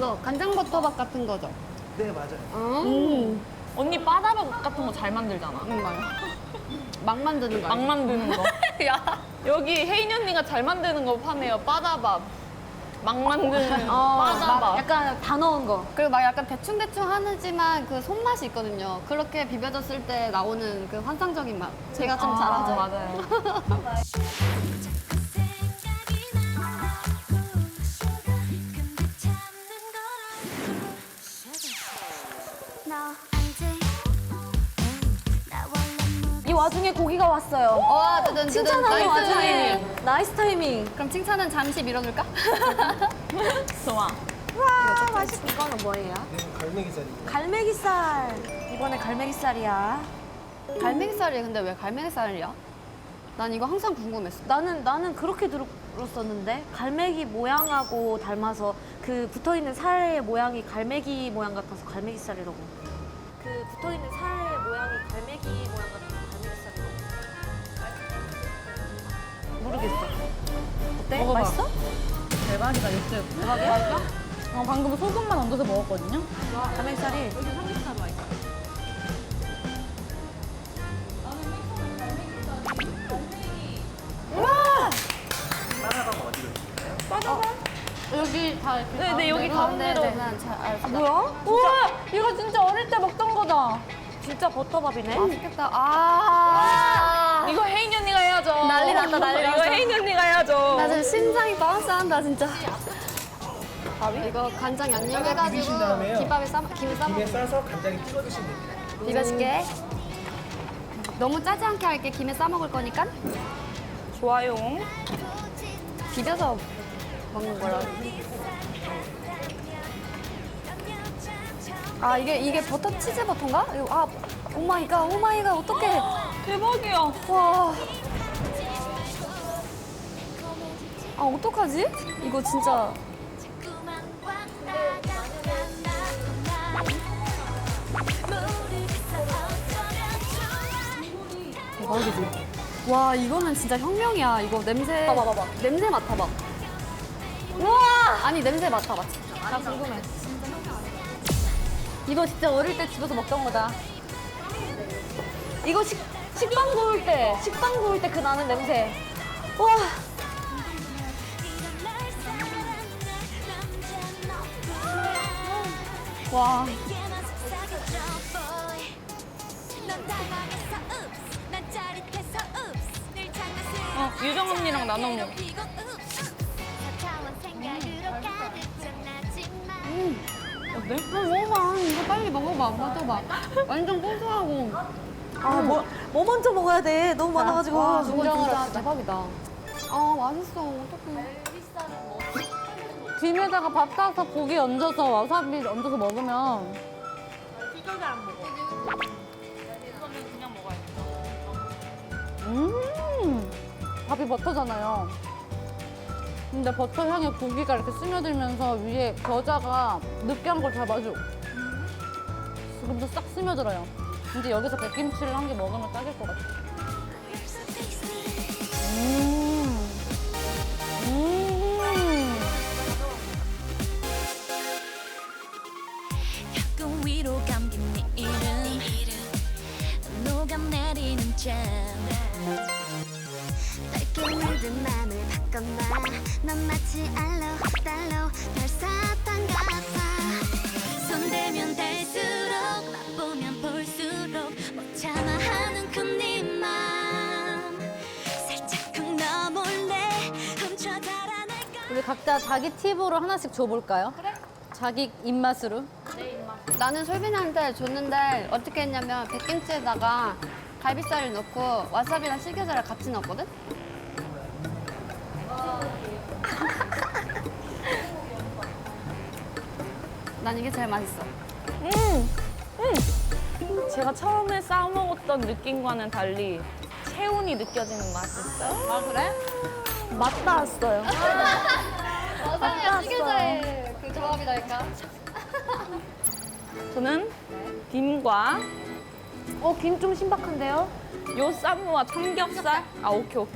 이거 간장버터밥 같은 거죠? 네, 맞아요. 언니 바다밥 같은 거 잘 만들잖아. 정말. 막 만드는 거 막 아니야? 만드는 거. 야. 여기 혜인 언니가 잘 만드는 거 파네요. 바다밥. 막 만드는 막 바다밥. 약간 다 넣은 거. 그리고 막 약간 대충대충 하지만 그 손맛이 있거든요. 그렇게 비벼졌을 때 나오는 그 환상적인 맛. 제가 좀 잘하죠. 맞아요. 이 와중에 고기가 왔어요. 와, 드든 칭찬하는 나이스. 와중에 나이스 타이밍. 그럼 칭찬은 잠시 밀어둘까? 좋아. 와 맛있. 이거는 뭐예요? 네, 갈매기살입니다. 갈매기살. 이번에 갈매기살이야. 갈매기살이 근데 왜 갈매기살이야? 난 이거 항상 궁금했어. 나는 그렇게 들었었는데 갈매기 모양하고 닮아서 그 붙어 있는 살의 모양이 갈매기 모양 같아서 갈매기살이라고. 그 붙어 있는 살의 모양이 갈매기 모양 같아서 갈매기살이라고. 모르겠어. 어때? 먹어봐. 맛있어? 대박이다, 육즙. 대박이야? 방금 소금만 얹어서 먹었거든요. 갈매기살이. 바다밥 어디로 드실까요? 여기 다 이렇게. 네, 여기 가운데로. 난 잘 알았어. 뭐야? 우와! 이거 진짜 어릴 때 먹던 거다. 진짜 버터밥이네. 맛있겠다. 아. 이거 혜인 언니가 해야죠. 난리 났다, 난리 이거 났어. 혜인 언니가 해야죠. 나 지금 심장이 바운스한다 진짜. 이거 간장 양념 해가지고 비비신 다음에요. 김에 싸 김에 먹어. 싸서 간장에 찍어 드시면 됩니다. 비벼줄게. 너무 짜지 않게 할게. 김에 싸 먹을 거니까 좋아요. 비벼서 먹는 거라. 아 이게 버터 치즈 버터인가? 이거, 아 오마이갓 어떡해. 대박이야. 와. 아 어떡하지? 이거 진짜. 대박이지. 와 이거는 진짜 혁명이야. 이거 냄새. 봐봐. 냄새 맡아봐. 우와! 아니 냄새 맡아봐. 나 궁금해. 이거 진짜 어릴 때 집에서 먹던 거다. 이거 식빵 구울 때 그 나는 냄새. 와. 와. 유정 언니랑 나눠 먹어. 어때? 먹어봐. 이거 빨리 먹어봐. 맞아봐. 완전 고소하고. 아, 뭐 먼저 먹어야 돼? 너무 많아가지고. 와, 저거 진짜 대박이다. 아, 맛있어. 어떡해. 김에다가 밥 싸서 고기 얹어서 와사비 얹어서 먹으면 그냥 먹어야겠다. 밥이 버터잖아요. 근데 버터 향에 고기가 이렇게 스며들면서 위에 겨자가 느끼한 걸 잡아줘. 지금도 싹 스며들어요. 근데 여기서 백김치를 한 개 먹으면 딱일 것 같아. 가끔 위로 감긴 네 이름 녹아내리는 잼 밝게 물든 마음을 바꿔놔 넌 마치 알록달록 별사탕 같아 손대면 댈수록 맛보면 볼수록 못 참아 하는 맘 살짝쿵 너 몰래 훔쳐 달아날까 우리 각자 자기 팁으로 하나씩 줘볼까요? 그래. 자기 입맛으로. 나는 솔빈이한테 줬는데 어떻게 했냐면 백김치에다가 갈비살을 넣고 와사비랑 실겨자를 같이 넣었거든? 난 이게 제일 맛있어. 제가 처음에 싸먹었던 느낌과는 달리 체온이 느껴지는 맛이 있어요. 아 그래? 맛 닿았어요. 와사비랑 실겨자의 그 조합이랄까? 저는 김과 김 좀 신박한데요? 요 쌈무와 삼겹살. 아, 오케이.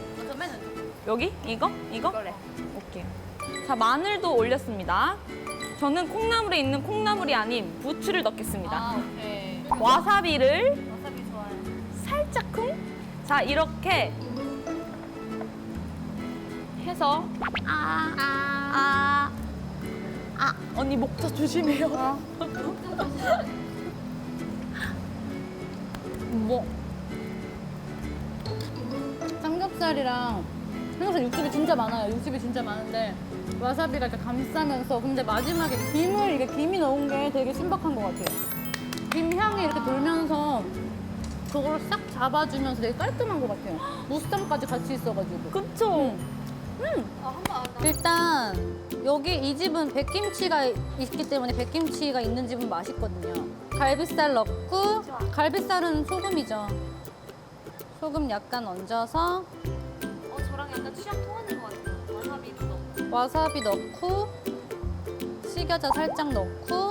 여기? 이거? 그래. 오케이. 자, 마늘도 올렸습니다. 저는 콩나물에 있는 콩나물이 아닌 부추를 넣겠습니다. 오케이. 와사비를 와사비 좋아해. 살짝쿵. 자, 이렇게 해서 언니 목젖 조심해요. 뭐 삼겹살이랑 삼겹살 육즙이 진짜 많아요. 육즙이 진짜 많은데 와사비가 이렇게 감싸면서 근데 마지막에 김이 넣은 게 되게 신박한 것 같아요. 김 향이 이렇게 돌면서 그걸 싹 잡아주면서 되게 깔끔한 것 같아요. 무쌈까지 같이 있어가지고. 그쵸? 일단 여기 이 집은 백김치가 있기 때문에 백김치가 있는 집은 맛있거든요. 갈비살 넣고 갈비살은 소금이죠. 소금 약간 얹어서 저랑 약간 취향 통하는 것 같아요. 와사비도 넣고. 와사비 넣고 식여자 살짝 넣고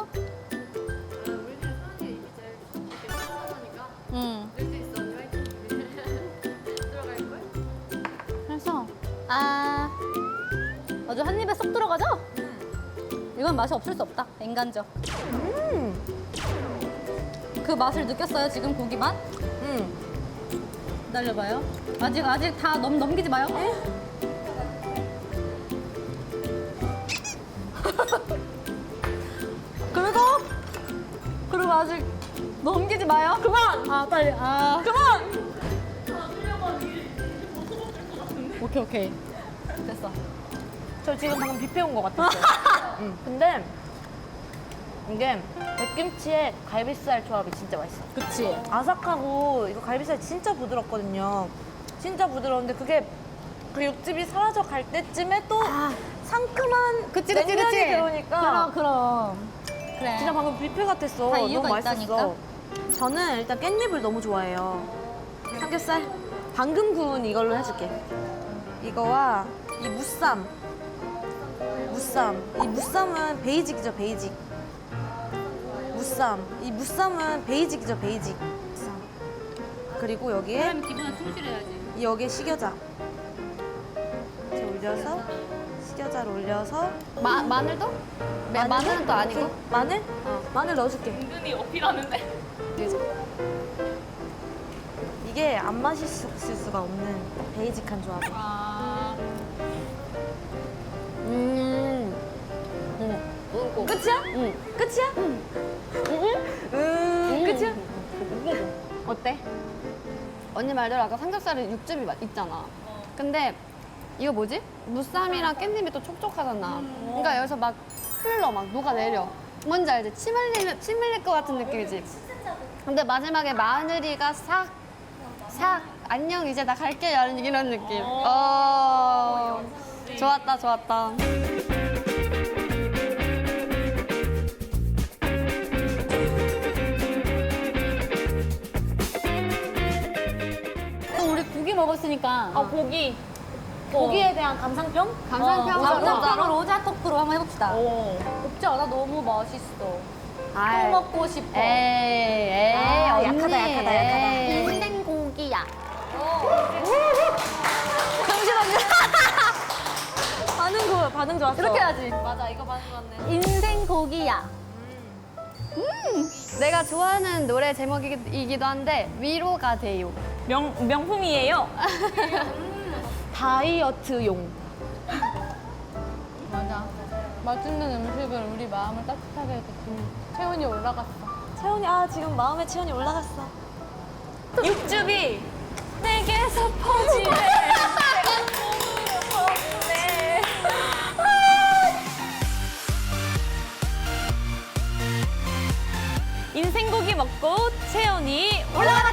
그래서 아주 한 입에 쏙 들어가죠? 이건 맛이 없을 수 없다. 인간적. 그 맛을 느꼈어요 지금 고기 맛? 기다려봐요. 아직 다 넘기지 마요. 그리고 아직 넘기지 마요. 그만. 빨리. 그만. 오케이. 됐어. 저 지금 방금 뷔페 온 것 같았어요. 근데 이게 백김치에 갈비살 조합이 진짜 맛있어. 그치. 아삭하고 이거 갈비살 진짜 부드럽거든요. 진짜 부드러운데 그게 그 육즙이 사라져 갈 때쯤에 또 상큼한 그치. 냉면이 들어오니까 그럼. 그래. 진짜 방금 뷔페 같았어. 다 이유가 너무 맛있었어. 있다니까. 저는 일단 깻잎을 너무 좋아해요. 삼겹살 방금 구운 이걸로 해줄게. 이거와 이 무쌈. 이 무쌈은 베이직이죠, 베이직. 이 무쌈은 베이직이죠, 베이직. 무쌈. 그리고 여기에 사람 기분에 충실해야지. 여기에 식여자. 이렇게 올려서 식여자를 올려서 마늘도? 마늘은 또 아니고? 오케이. 마늘? 마늘 넣어줄게. 은근히 어필하는데. 이게 안 마실 수가 없는 베이직한 조합이야. 끝이야? 끝이야? 끝이야? 어때? 언니 말대로 아까 삼겹살에 육즙이 있잖아. 근데 이거 뭐지? 무쌈이랑 깻잎이 또 촉촉하잖아. 그러니까 여기서 막 녹아내려. 뭔지 알지? 침 흘릴 것 같은 느낌이지? 근데 마지막에 마늘이가 싹 안녕 이제 나 갈게 이런 느낌. 좋았다. 그럼 우리 고기 먹었으니까 고기에 대한 감상평? 감상평으로 오자 토크로 한번 해봅시다. 없지 않아? 너무 맛있어. 또 먹고 싶어. 에이, 언니. 약하다. 인생 고기야. 반응 좋았어. 이렇게 해야지. 맞아, 이거 반응 좋았네. 인생 고기야. 내가 좋아하는 노래 제목이기도 한데 위로가 돼요. 명품이에요. 다이어트용. 맞아. 맛있는 음식을 우리 마음을 따뜻하게 해줬지. 체온이 올라갔어. 지금 마음의 체온이 올라갔어. 육즙이 내게서 퍼지네. 인생고기 먹고 체온이 올라가!